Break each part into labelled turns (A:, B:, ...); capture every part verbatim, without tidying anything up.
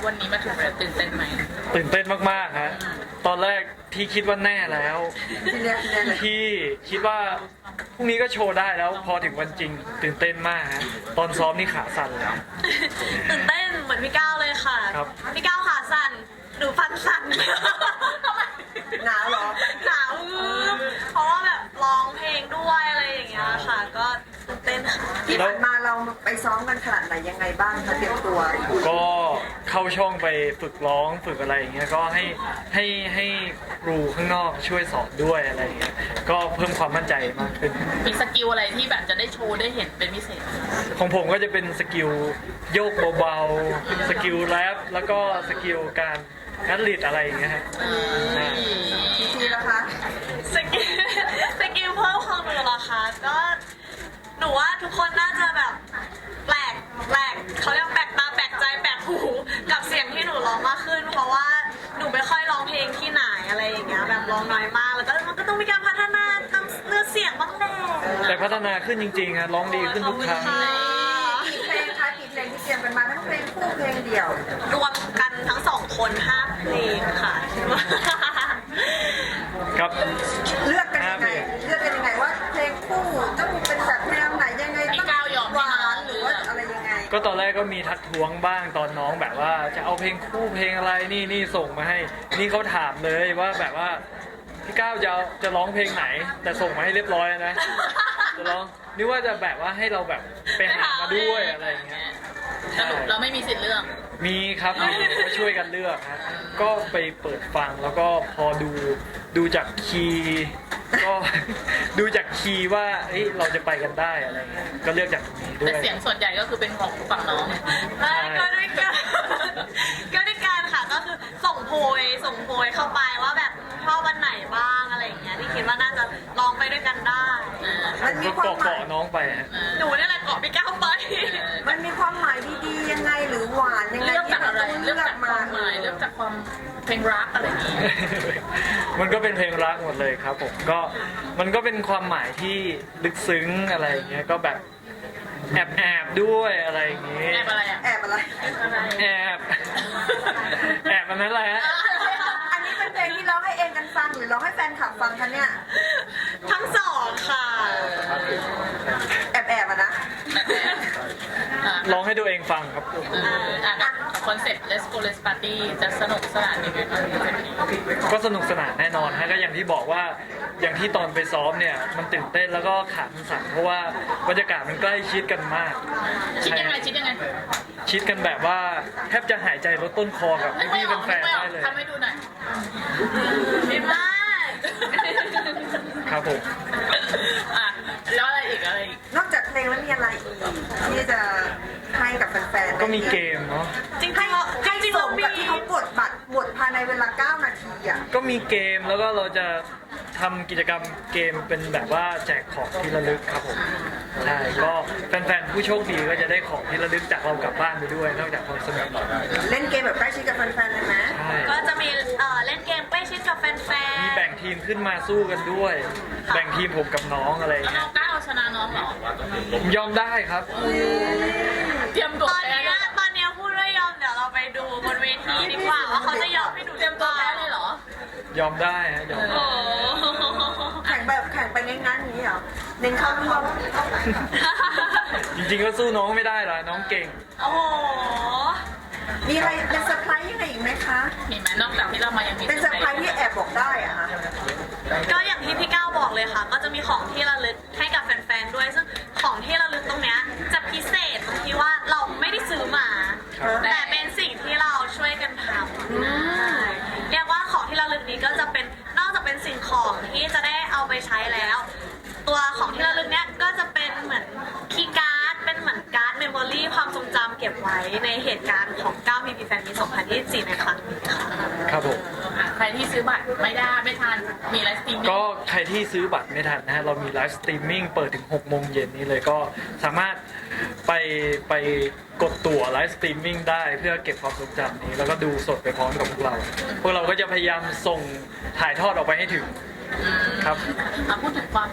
A: วันนี้มาถึงแล้วตื่นเต้นไหม
B: ตื่นเต้นมากๆฮะตอนแรกที่คิดว่าแน่แล้วที่คิดว่าพรุ่งนี้ก็โชว์ได้แล้วพอถึงวันจริงตื่นเต้นมากฮะตอนซ้อมนี่ขาสั่นเลย
C: ตื่นเต้นเหมือนพี่ก้าวเลยค่ะพี่ก้าวขาสั่นหนูฟันสั่น
D: หนาวเหรอ
C: หนาวเพราะว่าแบบร้องเพลงด้วยอะไรอย่างเงี้ยค่ะก็ตื่นเต้นค่ะ
D: ที่ผ่านมาเราไปซ้อมกันขนาดไหนยังไงบ้างคะเตรียมตัว
B: ก็เข้าช่องไปฝึกร้องฝึกอะไรอย่างเงี้ยก็ให้ให้ให้ครูข้างนอกช่วยสอนด้วยอะไรอย่างเงี้ยก็เพิ่มความมั่นใจมากขึ้น
A: มีสกิลอะไรที่แบบจะได้โชว์ได้เห็นเป็นพิเศษ
B: ของผมก็จะเป็นสกิลโยกเบาๆสกิลแรปแล้วก็สกิลการนัดลีดอะไรอย่างเงี้ยฮะ
D: ทีทีแล้วคะ
C: สกิลสกิลเพิ่มของหนูเหรอคะก็หนูว่าทุกคนน่าจะแบบแปลกแปลกเขาเรียกแปลกตาแปลกใจแปลกหูกับเสียงที่หนูร้องมากขึ้นเพราะว่าหนูไม่ค่อยร้องเพลงที่ไหนอะไรอย่างเงี้ยแบบร้องน้อยมากแล้วก็มันก็ต้องมีการพัฒนาเนื้อเสียงบ้างแหละ
B: แต่พัฒนาขึ้นจริงๆครับร้องดีขึ้นทุกครั้ง
D: กี่เพลงคะกี่เพลงที่เตรียมกันมาทั้งเพลงคู่เพลงเดี่ยว
C: รวมกันทั้งสองคนห้าเพลงค่ะ
B: ครับ
D: เลือกกันยังไงเลือกกันยังไงว่าเพลงคู่ต้องเป็นแบบแนวไหนยังไงต้องหวานหรือว่าอะไรยังไง
B: ก็ตอนแรกก็มีทักท้วงบ้างตอนน้องแบบว่าจะเอาเพลงคู่เพลงอะไรนี่นี่ส่งมาให้นี่เขาถามเลยว่าแบบว่าพี่ก้าวจะจะร้องเพลงไหนแต่ส่งมาให้เรียบร้อยนะจะร้องนึกว่าจะแบบว่าให้เราแบบไปหามาด้วยอะไรอย่างเงี้ย
A: สรุปเราไม่มีสิทธิ์เลือก
B: มีครับมีก็ช่วยกันเลือกฮะก็ไปเปิดฟังแล้วก็พอดูดูจากคีย์ก็ดูจากคีย์ว่าเอ้ยเราจะไปกันได้อะไรเงี้ยก็เลือกจากตรงนี้ด้วย
A: แต่เสียงส่วนใหญ่ก็คือเป็นของฝั่งน้อง
C: ไม่ก็ด้วยกันก็ด้วยกันค่ะก็คือส่งโพยส่งโพยเข้าไปว่าแบบชอบวันไหนบ้างอะไรอย่างเงี้ยที่คิดว่าน่าจะลองไปด้วยกันได้
D: มันมีความหมาย
B: น้องไป
C: หนูนี่แหละเกาะพี่ก้าวไป
D: มันมีความหมายดีๆยังไงหรือหวานยังไง
A: เลือกจากอะไรเลือกจากความหมายเลือกจากความเพลงรักอะไรอย่างเงี้ย
B: มันก็เป็นเพลงรักหมดเลยครับผมก็มันก็เป็นความหมายที่ลึกซึ้งอะไรอย่างเงี้ยก็แบบแอบแอบด้วยอะไรอย่างเงี้ย
A: แอบอะไรอ่ะ
D: แอบอะไร
B: แอบแอบมันนั้นแหละ
D: อันนี้เป็นเพลงที่ร้องให้เองกันฟังหรือร้องให้แฟนคลับฟังคะเนี่ย
C: ทั้งสองค่ะ
D: แอบแอบอะนะ
B: ร้องให้ตัวเองฟังครับ
A: คอนเซ็ปต์ Let's Go Let's Party จะสนุกสนานยังไงบ้าง
B: ก็สนุกสนานแน่นอนฮะก็อย่างที่บอกว่าอย่างที่ตอนไปซ้อมเนี่ยมันตื่นเต้นแล้วก็ขาสั่นเพราะว่าบรรยากาศมันใกล้ชิดกันมาก
A: ชิดยังไงชิดยังไง
B: ชิดกันแบบว่าแทบจะหายใจลดต้นคอกับพี่เป็นแฟนได้เลย
A: ทำให้ดูหน่อย
C: ดีมาก
B: ครับผม
A: อ่ะแล้วอะไรอีกอะไรอีก
D: นอกจากเพลงแล้วมีอะไรอีกที่จะให้กับแฟนๆ
B: ก็มีเกมเนาะ
C: จริงๆ
D: ให้ให้สมกับที่เขากดบัตรหมดภายในเวลาเก้านาทีอ่ะ
B: ก็มีเกมแล้วก็เราจะทำกิจกรรมเกมเป็นแบบว่าแจกของที่ระลึกครับผมใช่ก็แฟนๆผู้โชคดีก็จะได้ของที่ระลึกจากเรากลับบ้านไปด้วยนอกจากความสนุก
D: เล่นเกมแบบใกล้ชิดกับแฟนๆเลยไหม
C: ก็จะมีเล่นเกมใกล้ชิดกับแฟนๆ
B: มีแบ่งทีมขึ้นมาสู้กันด้วยแบ่งทีมผมกับน้องอะไร
A: แล้วน้องก้าวชนะน้องเหรอ
B: ผมยอมได้ครับ
A: เตรียมตัว
C: ตอนนี้ตอนนี้พูดว่ายอมเดี๋ยวเราไปดูบนเวทีดีกว่าว่าเขาจะยอมให้หนู
A: เตรียมตัวแพ้เลยเหรอย
B: อมได้ฮะยอม
D: แข่งแบบแข่งไปงั้นๆอย่างนี้เหรอเน้นเข้าร่วม
B: จริงๆก็สู้น้องไม่ได้หรอน้องเก่ง
C: โอ้โห
D: มีอะไรเป็นเซอร์ไพรส์ยังไงอีกไหมคะ
A: มีไหมนอกจากที่เรามายังมี
D: เป็นเซอร์ไพรส์ที่แอบบอกได้อะค่ะ
C: ก็อย่างที่พี่ก้าวบอกเลยค่ะก็จะมีของที่ระลึกให้กับแฟนๆด้วยซึ่งของที่ระลึกตรงเนี้ยจะพิเศษตรงที่ว่าเราไม่ได้ซื้อมาแต่เป็นสิ่งที่เราช่วยกันทำเรียกว่าของที่ระลึกนี้ก็จะเป็นนอกจากเป็นสิ่งของที่จะได้เอาไปใช้แล้ว ตัวของที่ระลึกเนี้ยก็จะเป็นเหมือนคีย์การ์ดเป็นเหมือนการ์ดเมมโมรี่ความทรงจำเก็บไว้ในเหตุการณ์ของก้าว พี พี แฟนมีตสองพันยี่สิบสี่ในครั้งนี้ค่ะ
B: ครับผม
A: ใครที่ซื้อบัตรไม่ได้ไม่ทันมีไลฟ์สตรีมมิ่ง
B: ก็ใครที่ซื้อบัตรไม่ทันนะฮะเรามีไลฟ์สตรีมมิ่งเปิดถึงหกโมงเย็นนี้เลยก็สามารถไปไปกดตั๋วไลฟ์สตรีมมิ่งได้เพื่อเก็บความทรงจำนี้แล้วก็ดูสดไปพร้อมกับพวกเราพวกเราก็จะพยายามส่งถ่ายทอดออกไปให้ถึงครับ
A: มาพูดถึงความสำเร็จของ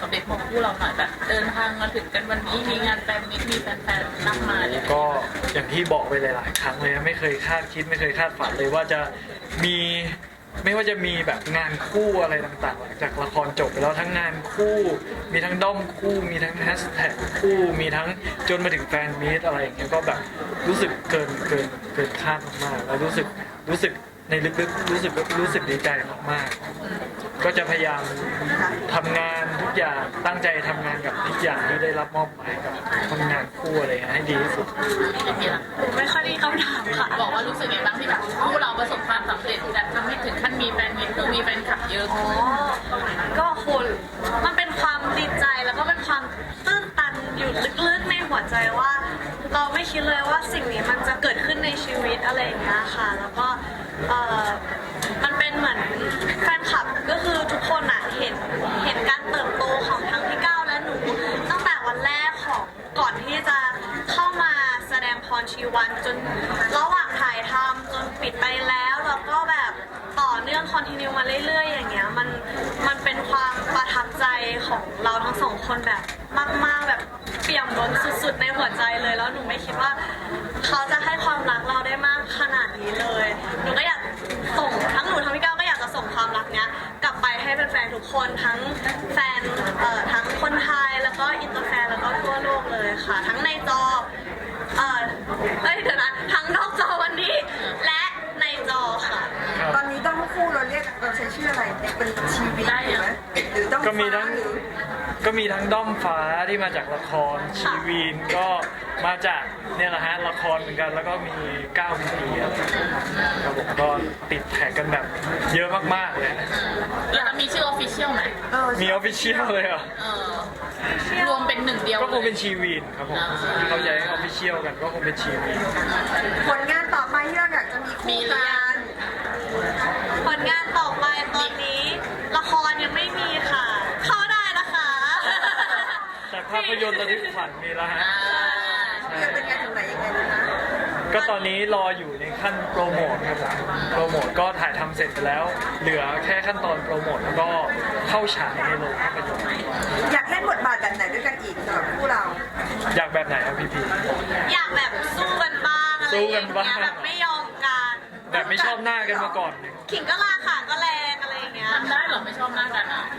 A: คู่เราหน่อยแบบเดินทางมาถึงกันวันนี้มีงานแฟนมิตมีแฟนๆนั่งมาเนี่ย
B: ก็อย่างที่บอกไปหลายๆครั้งเลยนะไม่เคยคาดคิดไม่เคยคาดฝันเลยว่าจะมีไม่ว่าจะมีแบบงานคู่อะไรต่างๆหลังจากละครจบไปแล้วทั้งงานคู่มีทั้งด้อมคู่มีทั้งแฮชแท็กคู่มีทั้งจนมาถึงแฟนมีตอะไรอย่างเงี้ยก็แบบรู้สึกเกินเกินเกินคาดมากๆแล้วรู้สึกรู้สึกในลึกๆรู้สึกรู้สึกดีใจมากๆก็จะพยายามทำงานทุกอย่างตั้งใจทำงานกับทุกอย่างที่ได้รับมอบหมายกับทำงานคู่อะไรอย่างเงี้ยให้ดีที่สุด
A: เป็นไงล่ะ
C: ไม่ค่อยมีคำถามค่ะ
A: บอกว่ารู้สึกไงบ้างที่แบบคู่เราประสบความสำเร็จแบบทำให้ถึงขั้นมีแฟนมิตคือมีแฟนคลับเยอะ
C: อ๋อ ก็คุณมันเป็นความดีใจแล้วก็เป็นความตื้นตันอยู่ลึกๆในหัวใจว่า เราไม่คิดเลยว่าสิ่งนี้มันจะเกิดขึ้นในชีวิตอะไรอย่างเงี้ยค่ะ แล้วก็เออมันเป็นเหมือนแฟนคลับก็คือทุกคนอะเห็นเห็นการเติบโตของทั้งพี่ก้าวและหนูตั้งแต่วันแรกของก่อนที่จะเข้ามาแสดงพรชีวันจนระหว่างถ่ายทำจนปิดไปแล้วแล้วก็แบบต่อเนื่องคอนติเนียมาเรื่อยๆอย่างเงี้ยมันมันเป็นความประทับใจของเราทั้งสองคนแบบมากๆแบบเปี่ยมล้นสุดๆในหัวใจเลยแล้วหนูไม่คิดว่าเขาจะให้ความรักเราได้มากขนาดนี้เลยหนูก็อยากส่งทั้งหนูทั้งพี่ก้าวก็อยากจะส่งความรักเนี้ยกลับไปให้แฟนๆทุกคนทั้งแฟนเอ่อทั้งคนไทยแล้วก็อินเตอร์แฟนแล้วก็ทั่วโลกเลยค่ะ ทั้งในจอเออเอ้ยเดี๋ยวนะทั้งนอกจอวันนี้และในจอค่ะ
D: ตอนนี้ต้องคู่เราเรียกเราใช้ชื่ออะไรเป็นชีวิตได้ไหมหรือต้อง
B: ก็มีทั้ง
D: ฟ้าหรือ
B: ก็มีทั้งด้อมฟ้าที่มาจากละครชีวีนก็มาจากเนี่ยแหละฮะละครเหมือนกันแล้วก็มีก้าวมีปีอะไรครับผมก็ติดแท็กกันแบบเยอะมากๆเลยฮะ
A: แล้วจะมีชื่อออฟฟิเชียลไหม
D: เออ
B: มีออฟฟิเชียลเลยเหรอ
A: เออรวมเป็นหนึ่งเดียว
B: ก็คงเป็น
A: ลย
B: ชีวีนครับผมที่เขาใช้ออฟฟิเชียลกันก็คงเป็นชีวีน
D: ผลงานต่อไปที่เราอยากจะมีคู่กัน
C: ผลงานต่อไปตอนนี้ละครยังไม่มีค่ะ เข้าได้นะคะ
B: แต่ภาพยนตร์ระทึกขวัญมีแล้วฮะ
A: อ่า
D: จะเป็นไงถึงไหนยังไงดีนะ
B: ก็ตอนนี้รออยู่ในขั้นโปรโมทครับผมโปรโมทก็ถ่ายทำเสร็จไปแล้ว เหลือแค่ขั้นตอนโปรโมทแล้วก็เข้าฉายในโรงภาพยนตร์
D: อยากเล่นบทบาทแบบไหนด้วยกันอีกสำหรับคู่เรา
B: อยากแบบไหนครับพี่พี
C: อยากแบบสู้กันบ้างอะไร
B: สู้
C: อ
B: กั
C: ย่าน ง
B: บ้าง
C: เงี้ยแบบไม่ยอมกัน
B: แบบไม่ชอบหน้ากันมาก่อนเนี่ย
C: ขิงก็ลาขาก็แรงอะไรอย่างเงี้ย
A: ทำได้เหรอไม่ชอบหน้ากันอ่ะ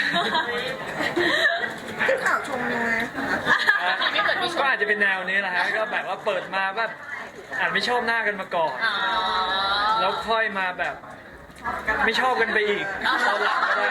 D: ที่ข่าวชมยังไง
A: ไม่เกิดมีช
B: ก็
A: ม
B: อาจจะเป็นแนวนี้แหละฮะก็แบบว่าเปิดมาแบบอาจไม่ชอบหน้ากันมาก่อน
A: อ๋อ
B: แล้วค่อยมาแบบไม่ชอบกันไปอีกตอนหลังก็ได้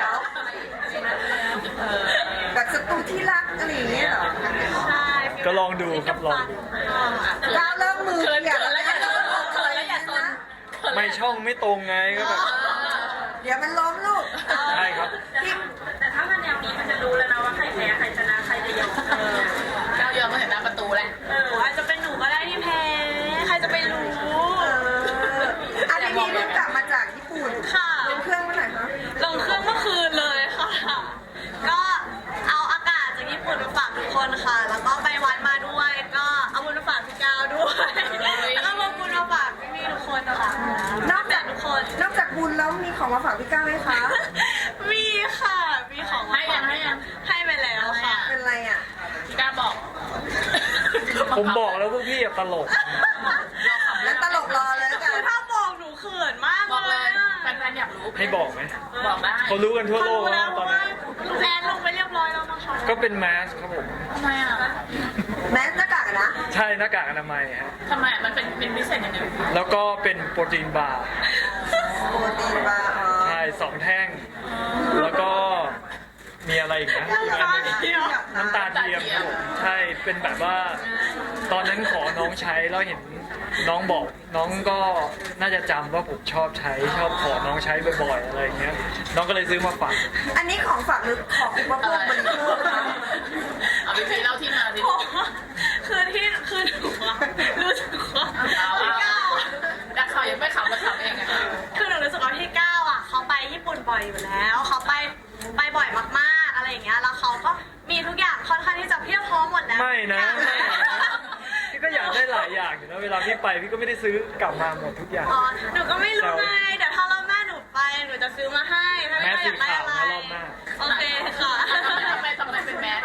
D: แบบศัตรูที่รักอะไรอย่างเงี้ยเหรอ
C: ใช่
B: ก็ลองดูครับลองดู
D: ก้าวเริ่มมือ
A: เขิน
D: เกี่ยว
A: เขิน
D: แล้
A: แล้ว ว
D: นะ
A: อย่าโดนเขินแล้วอย่าโดน
B: ไม่ช่องไม่ตรงไงก็แบบ
D: เดี๋ยวมันล้มลูก
B: ใช่ครับ
D: พี่
C: แต่ถ้ามันแนวนี้มันจะรู้แล้วนะว่าใครแพ้ใครชนะใครจะยอม
A: เออก้าวยอมมาเห็นหน้าประตูแล้ว
C: เอออาจจะเป็นหนูก็ได้ที่แพ้ ใครจะไปรู้
D: เอออันนี้พี่เพิ่งกลับมาจากญี่ปุ่น
C: ค่ะ
D: เป็นเครื่องเมื่อไหร่คะ
C: ลงเครื่องเมื่อคืนเลยค่ะ ก็เอาอากาศจากญี่ปุ่นมาฝากทุกคนค่ะ แล้วก็ไปวัดมาด้วย ก็เอาบุญมาฝากพี่ก้าวด้วย แล้วก็มาบุญมาฝากพี่ๆทุกคนค่ะ
D: นอกจาก
C: ทุกคน
D: นอกจากบุญแล้วมีของมาฝากพี่ก้าวไหมคะ
C: มีค่ะ มีของมา
A: ให้ยังให้ยัง
C: ให้ไปแล้วค่ะ
D: เป็นไรอ่ะ
A: พี่ก้าบอก
B: ผมบอกแล้วพวกพี่อะตลก
D: แล้วตลกรอเลยแล้วกัน
C: คือถ้าบอกหนูเขินมาก
A: บอก
C: เล
A: เลย
C: ยอะ
A: แฟนๆอยากรู้
B: ให้บอกไหม
A: บอกได้
B: เขารู้กันทั่วโลก
C: เขารู้
B: แล้
C: แล้ว ว
B: ตอน
C: ว่า
B: นี้
C: ลูกแอนลงไปเรียบร้อยแล้วนะคะ
B: ก็เป็นแมสครับผม
A: ทำไมอ่ะ
D: แมสหน้ากากอะนะ
B: ใช่หน้ากากอนามัยฮะ
A: ทำไมอะมันเป็นเป็นพิเศษยังไง
B: แล้วก็เป็นโปรตีนบาร์
D: โปรตีนบาร์อ๋อ
B: ใช่สองแท่ง แล้วก็มีอะไรอีกนะอีกอันหนึ่ง
C: เดียว
B: น้ำตาเทียมครับผมใช่เป็นแบบว่า ตอนนั้นขอน้องใช้แล้วเห็นน้องบอกน้องก็น่าจะจำว่าผมชอบใช้ชอบขอน้องใช้บ่อยๆอะไรอย่างเงี้ยน้องก็เลยซื้อมาฝาก
D: อันนี้ของฝากหรือของอุปโภคบริโภคคะ
A: เอาพี่พีเล่าที่มาสิ
C: โอ้คือที่คือหนูอะรู้สึกว่า
A: เอา
C: พี่
A: เอา
C: ก้าวอะ
A: ดักข่าวยังไม่ขำมาขำเองอะ
C: คือหนูรู้สึกว่าพี่ก้าวอ่ะเขาไปญี่ปุ่นบ่อยอยู่แล้ว เขาไปไปบ่อยมากๆอะไรอย่างเงี้ย แล้วเขาก็มีทุกอย่างค่อนข้างที่จะเพียบพร้อมหมดแล้ว
B: ไม่นะ
C: ทุกอย่าง
B: พี่ก็อยากได้หลายอย่างอยู่นะเวลาพี่ไปพี่ก็ไม่ได้ซื้อกลับมาหมดทุกอย่าง
C: อ๋อ หนูก็ไม่รู้ไง เดี๋ยวถ้ารอบหน้าหนูไป หนูจะซื้อมาให้ ถ้า
B: แม
C: ไม่
B: ส
C: อยากได้อะไร
B: สีขาวนะรอบหน้า
C: โอเคค่ะ
A: ทำไมทำไมเป็นแมส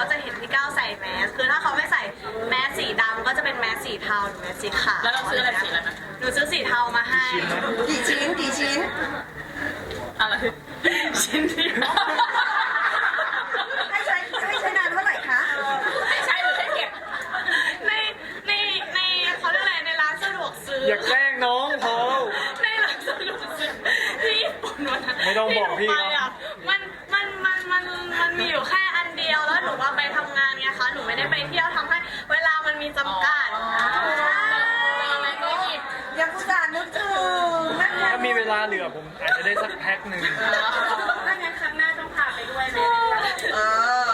C: จะเห็นพี่ก้าวใส่แมสคือถ้าเขาไม่ใส่แมสสีดำก็จะเป็นแมสสีเทาหรือแมสสีขาว
A: แล้วเราซื้ออะไรสีอะไรนะ
C: หนูซื้อสีเทามาให้
B: ชิ้นนะ
D: กี่ชิ้นกี่ชิ้น
A: อะไรชิ้นเดียว
D: ให้ใช้ให้ใช้นานเท่าไหร่คะ
A: ไม่ใช่หรือให้เก็บ
C: ในในในเขาเรียกอะไรในร้านสะดวกซื้อ
B: อย่าแกล้งน้องพอ
C: ในร้านสะดวกซื้อที่ญี่ปุ่นวันนั้น
B: ไม่ต้องบอกพี่
C: ที่หนูไปอะมันมันมันมันมันมีอยู่แค่อันเดียวแล้วหนูว่าไปทำงานไงคะหนูไม่ได้ไปเที่ยวทำให้เวลามันมีจำกัด
A: อ๋อ
C: ใช่
A: อะไรก็หยิบ
D: ยังอุตส่าห์นึกถึงนั่นไง
B: ถ้ามีเวลาเหลือผมอาจจะได้สักแพ็คหนึ่ง
C: ถ้างั้นครั้งหน้าต้องพาไปด้วยไหม
D: เออ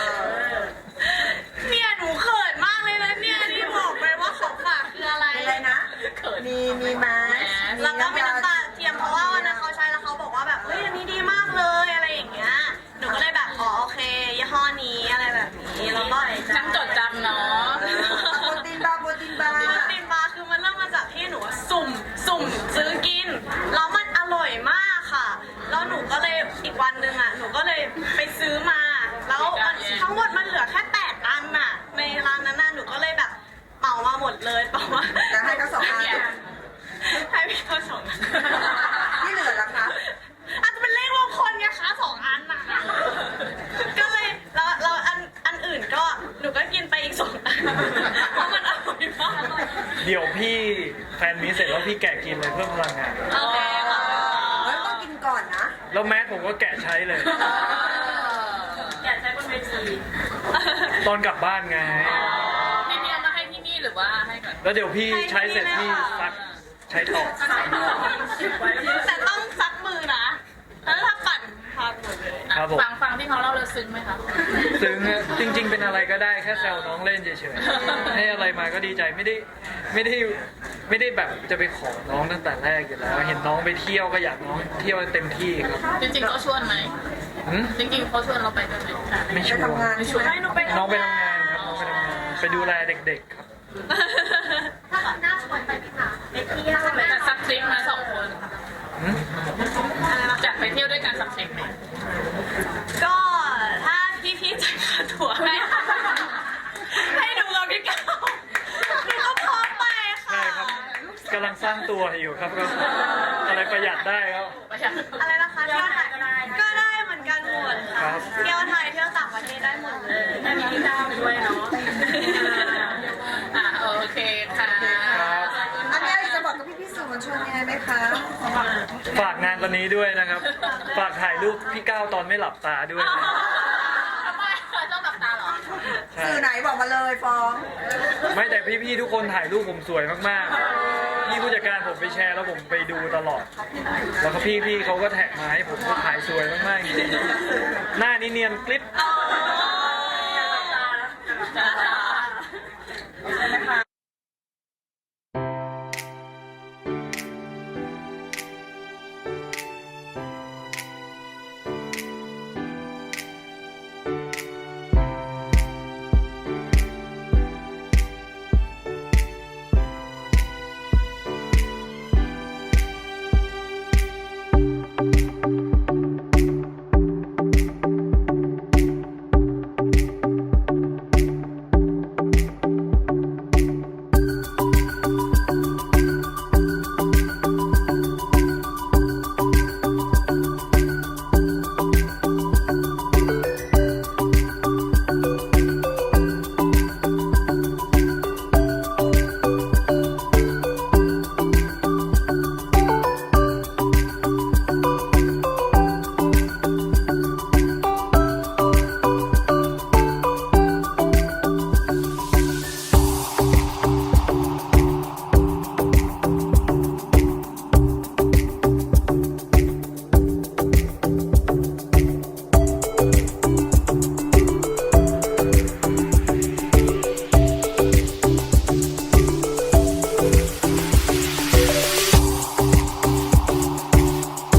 C: เนี่ยหนูเขินมากเลยนะเนี่ยที่บอกไปว่าของฝากคืออะไร
D: อะไรนะ
A: เขิน
D: มีมีแมส
C: แล้วก็มีน้ำตาเทียมเพราะว่าวันนั้นเขาใช้แล้วเขาบอกว่าแบบเฮ้ยอันนี้ดีมากเลยอะไรอย่างเงี้ยหนูก็เลยแบบอ๋อโอเคยี่ห้อนี้อะไรแบบนี้แล้วก็
A: ช่างจดจำเนาะ
D: โปรตีนบาร์โปรตีนบาร์
C: โปรตีนบาร์คือมันเริ่มมาจากที่หนูสุ่มสุ่มซื้อกินแล้วมันอร่อยมากค่ะ แล้วหนูก็เลยอีกวันหนึ่งอ่ะหนูก็เลยไปซื้อมา แล้วมันทั้งหมดมันเหลือแค่แปดอันน่ะในร้านนั้นน่ะหนูก็เลยแบบเหมามาหมดเลยเปล่าว่า
D: จะให้เขาสองอัน
C: ให้พี่เขาสองอัน
D: ที่เหลือล่ะคะ
C: อาจจะเป็นเลขมงคลไงคะสองอันน่ะก็เลยแล้วแล้วอันอันอื่นก็หนูก็กินไปอีกสองอันเพราะมันอร่อยมาก
B: เดี๋ยวพี่แฟนมีเสร็จแล้วพี่แกะกินเลยเพิ่มพลังงาน
C: โอเคค่ะ
D: เฮ้ยต้องกินก่อนนะ
B: แล้วแมสผมก็แกะใช้เลย
C: อยากใช้บนเวที
B: ตอนกลับบ้านไง
A: พี่เมียมาให้ที่นี่หรือว่าให้ก่อน
B: แล้วเดี๋ยวพี่ใช้เสร็จพี่ซักใช้ต่อ
C: แต่ต้องซักมือนะแล้วถ้าปั่นพังหมดเลย
B: ครับผม
A: ฟังฟังที่เขาเล่าเลยซึ้งไหมคะ
B: ซึ้งอะจริง ๆ เป็นอะไรก็ได้แค่แซวน้องเล่นเฉยๆให้อะไรมาก็ดีใจไม่ได้ไม่ได้ไม่ได้แบบจะไปขอน้องตั้งแต่แรกอยู่แล้ว เห็นน้องไปเที่ยวก็อยากน้องเที่ยวเต็มที่ครับ
A: จริงๆเขาชวนไหม
B: หืม
A: จริงๆเขาชวนเราไปด้วยไหม
B: ไม่ช
D: ไป
B: วน
D: ทำงาน
A: ไม่ชวน
C: ให้หนูไป
B: น้องไปทำงานครับน้องไปทำงานไปดูแลเด็กๆครับ
C: ถ้าแบบหน้าชวนไปไหมคะไปเที่ยวไหม
A: แต่สักทริปมาสองคน
B: หืม
A: จัดไปเที่ยวด้วยกันสักทริปไหม
C: ก็ถ้าพี่ๆจ่ายค่าตั๋วให้ให้หนูกับพี่ก้าวหนูก็พร้อมไปค่ะ
B: ใช่ครับกำลังสร้างตัวอยู่ครับก็อะไรประหยัดได้ครับ
A: ประหยัด
C: อะไรนะคะเที่ยวไทยก็ได้ก็ได้เหมือนกันหมด
B: ครั
C: ค่ะ
B: บ
C: เที่ยวไทยเที่ยวต่างประเทศได้หมดเลย
A: ได้มีพี่ก้าวด้วยเนาะอ่ะโอเคค่ะ
B: ครับ
D: อันนี้จะบอกกับพี่พี่ๆสื่อมวลชนยังไงไหมคะ
B: ฝากงานวันนี้ด้วยนะครับ ฝากถ่ายรูปพี่ก้าวตอนไม่หลับตาด้วยนะ
A: ทำไมต้องหลับตาเหรอ
B: ใช่
D: สื่อไหนบอกมาเลยฟ้อง
B: ไม่แต่พี่ๆทุกคนถ่ายรูปผมสวยมากๆพี่ผู้จัดการผมไปแชร์แล้วผมไปดูตลอด แล้วก็พี่ๆเขาก็แท็กมาให้ผมก็ถ่ายสวยมากๆจริงๆหน้านี่เนียนกริบ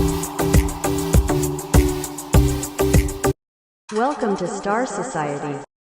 E: Welcome to Star Society.